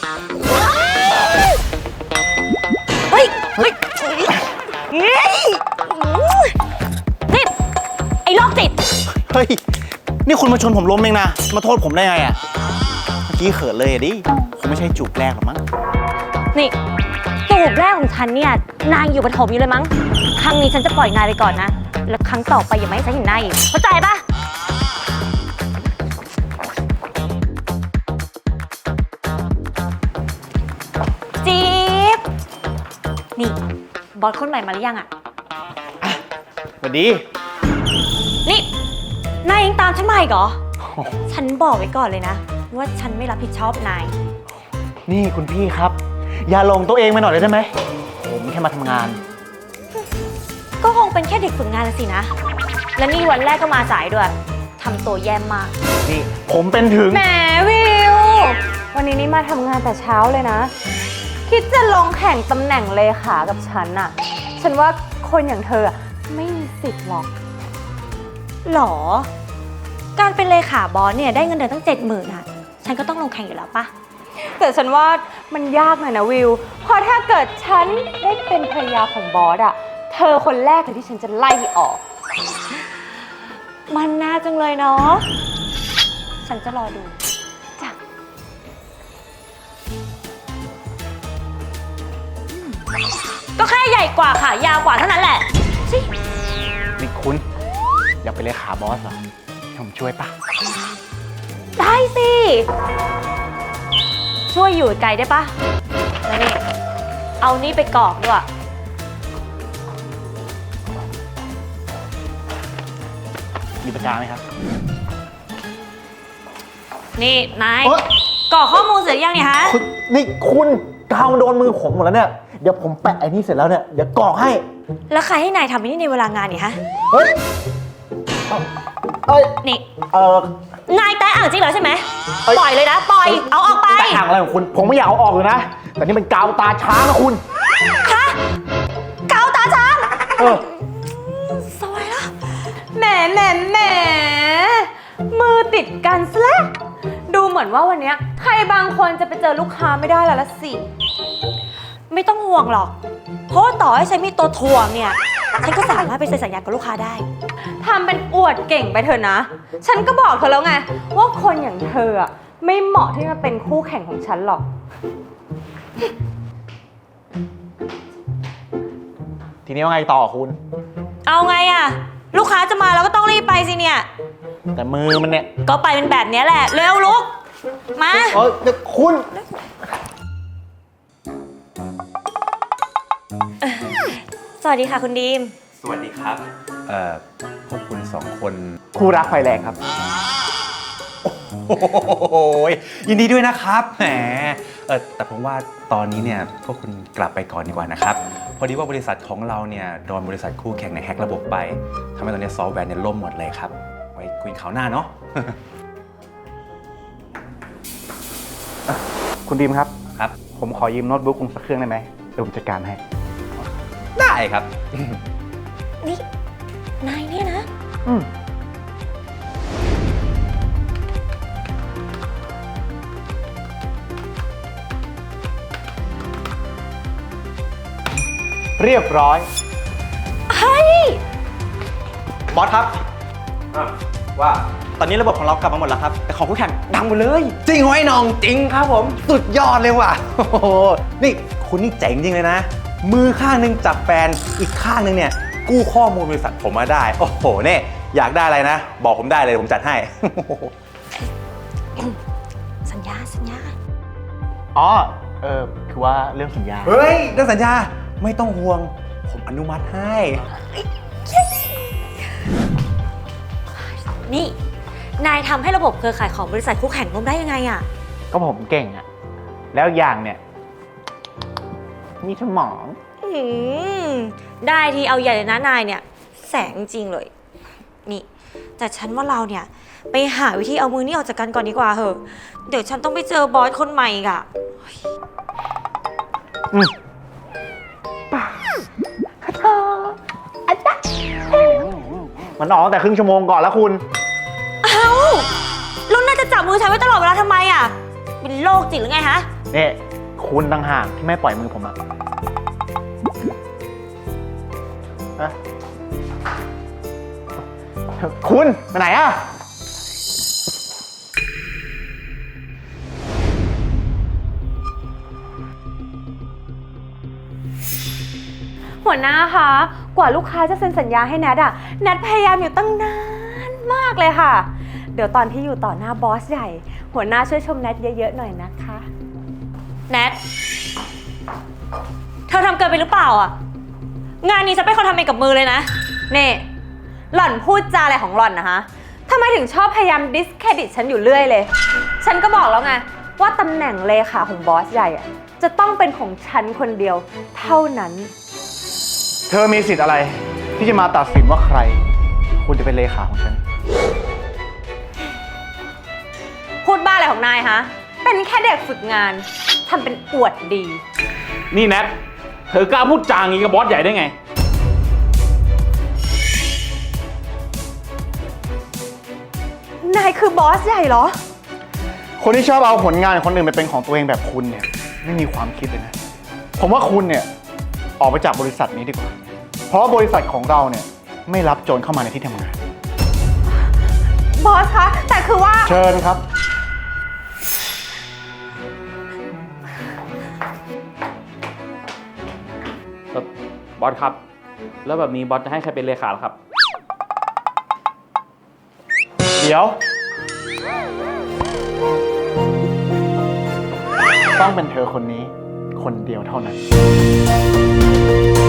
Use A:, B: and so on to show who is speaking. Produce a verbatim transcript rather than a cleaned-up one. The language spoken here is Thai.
A: เฮ้ยเฮ้ยนี่ไอ้โรคจิต
B: เฮ้ยนี่คุณมาชนผมล้มเองนะมาโทษผมได้ไงอ่ะเมื่อกี้เขินเลยดิคงไม่ใช่จูบแรกหรอกมั้ง
A: นี่จูบแรกของฉันเนี่ยนายอยู่ปฐมอยู่เลยมั้งครั้งนี้ฉันจะปล่อยนายไปก่อนนะแล้วครั้งต่อไปอย่ามาให้ฉันเห็นนายอีกเข้าใจปะจี๊บนี่บอสคนใหม่มาหรือยังอะ
B: สวัสดี
A: นี่นายยังตามฉันมาอีกเหรอฉันบอกไว้ก่อนเลยนะว่าฉันไม่รับผิดชอบนาย
B: นี่คุณพี่ครับอย่าลงตัวเองไปหน่อยเลยได้ไหมผมแค่มาทำงาน
A: ก็คงเป็นแค่เด็กฝึกงานละสินะและนี่วันแรกก็มาสายด้วยทำตัวแย่มาก
B: นี่ผมเป็นถึง
C: แหมวิววันนี้นี่มาทำงานแต่เช้าเลยนะคิดจะลงแข่งตำแหน่งเลขากับฉันน่ะฉันว่าคนอย่างเธอไม่มีสิทธิ์หรอก
A: หรอการเป็นเลขาบอสเนี่ยได้เงินเดือนตั้งเจ็ดหมื่นอ่ะฉันก็ต้องลงแข่งอยู่แล้วปะ
C: แต่ฉันว่ามันยากหน่อยนะวิวเพราะถ้าเกิดฉันได้เป็นภรรยาของบอสอ่ะเธอคนแรกเลยที่ฉันจะไล่ออก
A: มันน่าจังเลยเนาะฉันจะรอดูจ้ะก็แค่ใหญ่กว่าค่ะยาวกว่าเท่านั้นแหละสิ
B: นี่คุณอยากเป็นเลขาบอสเหรอผมช่วยปะ
A: ได้สิช่วยอยู่ไกลได้ปะแล้วนี่เอานี่ไปกรอกด้วย
B: มีปากกาไหมครับ
A: นี่นายกรอกข้อมูลเสร็จยังเนี่ยฮะ
B: นี่คุณกาวโดนมือผมหมดแล้วเนี่ยเดี๋ยวผมแปะไอ้นี่เสร็จแล้วเนี่ยเดี๋ยวกรอกให้
A: แล้วใครให้นายทำนี่ในเวลางานเนี่ยฮะ
B: เฮ้ยเอ้ย
A: นี่
B: เอ
A: อนายแตะอ่างจริงเหรอใช่ไหมปล่อยเลยนะปล่อยเอาออกไป
B: แตะอ่างอะไรของคุณผมไม่อยากเอาออกเลยนะแต่นี่มันกาวตาช้างนะคุณ
A: ฮะกาวตาช้าง
B: เออ
A: สวยแล้ว
C: แหมแหมแหมมือติดกันซะแล้วดูเหมือนว่าวันนี้ใครบางคนจะไปเจอลูกค้าไม่ได้แล้วละสิ
A: ไม่ต้องห่วงหรอกเพราะต่อให้ฉันมีตัวถ่วงเนี่ยฉันก็สามารถไปเซ็นสัญญากับลูกค้าได้
C: ทำเป็นอวดเก่งไปเถอะนะฉันก็บอกเธอแล้วไงว่าคนอย่างเธออะไม่เหมาะที่จะเป็นคู่แข่งของฉันหรอก
B: ทีนี้ว่าไงต่อคุณ
A: เอาไงอะลูกค้าจะมาเราก็ต้องรีบไปสิเนี่ย
B: แต่มือมันเนี่ย
A: ก็ไปเป็นแบบนี้แหละเร็วลุกมา
B: เออเดี๋ยวคุณ
A: สวัสดีค่ะคุณดีม
D: สวัสดีครับเอ่อพวกคุณสองคน
B: คู่รักไฟแรงครับ
D: โอ้โหยินดีด้วยนะครับแหมเออแต่ผมว่าตอนนี้เนี่ยพวกคุณกลับไปก่อนดีกว่านะครับพอดีว่าบริษัทของเราเนี่ยโดนบริษัทคู่แข่งในแฮกระบบไปทำให้ตอนนี้ซอฟต์แวร์เนี่ยล่มหมดเลยครับไว้คุยข่าวหน้าเนาะ
B: คุณดีมครับ
D: ครับ
B: ผมขอยืมโน้ตบุ๊กคุณสักเครื่องได้ไหมเดี๋ยวผมจัดการให้
D: ได้ครับ
A: นี่นายเนี่ยนะ
B: อืมเรียบร้อย
A: เฮ้ย
B: บอสครับ
D: ว่า
B: ตอนนี้ระบบของเรากลับมาหมดแล้วครับแต่ของคู่แข่งดังหมดเลย
D: จริงเหรอไอ้น้องจริงครับผมสุดยอดเลยว่ะโอ้โหนี่คุณนี่เจ๋งจริงเลยนะมือข้างนึงจับแฟนอีกข้างนึงเนี่ยกู้ข้อมูลบริษัทผมมาได้โอ้โหเนี่ยอยากได้อะไรนะบอกผมได้เลยผมจัดให้
A: สัญญาสัญญา
B: อ๋อเออคือว่าเรื่องสัญญา
D: เฮ้ยเรื่องสัญญาไม่ต้องห่วงผมอนุมัติให้
A: นี่นายทำให้ระบบเครือข่ายของบริษัทคู่แข่งล้มได้ยังไงอ่ะ
B: ก็ผมเก่งอ่ะแล้วอย่างเนี่ยมีสมอง
A: อืมได้ทีเอาใหญ่เลยนะนายเนี่ยแสงจริงเลยนี่แต่ฉันว่าเราเนี่ยไปหาวิธีเอามือนี่ออกจากกันก่อนดีกว่าเหอะเดี๋ยวฉันต้องไปเจอบอสคนใหม่อีกอ่ะ
B: อืมป่ามันออกแต่ครึ่งชั่วโมงก่อนแล้วคุณ
A: เอ้าแล้วน่าจะจับมือฉันไว้ตลอดเวลาทำไมอ่ะเป็นโรคจิตหรือไงฮะ
B: นี่คุณต่างหากที่ไม่ปล่อยมือผมอะฮะคุณไปไหนอะ
C: หัวหน้าคะ กว่าลูกค้าจะเซ็นสัญญาให้แนทอะแนทพยายามอยู่ตั้งนานมากเลยค่ะ เดี๋ยวตอนที่อยู่ต่อหน้าบอสใหญ่ หัวหน้าช่วยชมแนทเยอะๆหน่อยนะคะ
A: แนท เธอทำเกินไปหรือเปล่าอ่ะ งานนี้ฉันเป็นคนทำเองกับมือเลยนะ
C: นี่ หล่อนพูดจาอะไรของหล่อนนะฮะทำไมถึงชอบพยายามดิสเครดิตฉันอยู่เรื่อยเลย ฉันก็บอกแล้วไงว่าตำแหน่งเลขาของบอสใหญ่อะจะต้องเป็นของฉันคนเดียวเท่านั้น
B: เธอมีสิทธิ์อะไร ที่จะมาตัดสินว่าใคร คุณจะเป็นเลขาของฉัน
C: พูดบ้าอะไรของนายฮะ เป็นแค่เด็กฝึกงานทำเป็นอวดดี
E: นี่แนท เธอกล้าพูดจางี้กับบอสใหญ่ได้ไง
C: นายคือบอสใหญ่เหรอ
B: คนที่ชอบเอาผลงานของคนอื่นไปเป็นของตัวเองแบบคุณเนี่ย ไม่มีความคิดเลยนะ ผมว่าคุณเนี่ย ออกไปจากบริษัทนี้ดีกว่า เพราะว่าบริษัทของเราเนี่ย ไม่รับโจรเข้ามาในที่ทำงาน
C: บอสคะ แต่คือว่า
B: เชิญครับ
E: บอสครับ แล้วแบบนี้บอสจะให้ใครเป็นเลขาล่ะครับ
B: เดี๋ยว ต้องเป็นเธอคนนี้ คนเดียวเท่านั้น